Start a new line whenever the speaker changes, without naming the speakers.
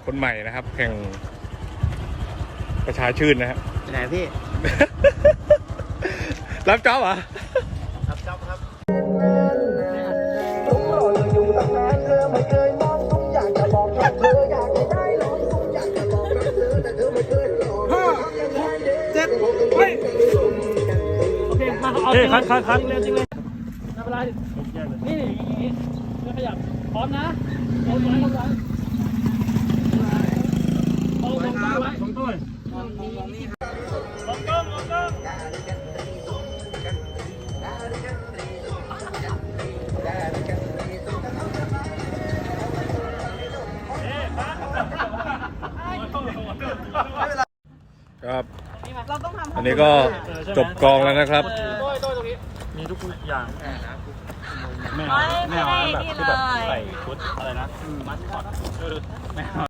คนใหม่นะครับแข่งประชาชื่นนะฮะ
ไหนพี่
รับจ็อบเหรอ
รับจ๊อบครับ
ทุกรออยู่ตั้งนานเธอไม่เคยมองทุกอย่างจะบอกรักเธออยากให้ได้ลองทุกอย่างจะบอกรักเธอแต่เธอไม่เคยลอง5 7
เฮ้ยโอเคมาเอาจริงเลยจริงเลยไม่เป็นไรนี่อย่างนี้ไม่ขยับพร้อมนะเอาไว้เอาไว้เอาตรงกลางไว้ตรงต้นลงกล้อง
ครับ
เราต้องทำ
อันนี้ก็จบกองแล้วนะครับ
มีทุกอย่างไม่
ไม่
เอา
ได้
แบบ
นี่
ที่
เล
แบบ
ย
ใส่ชุดอะไรนะมัสคอตไม่เอา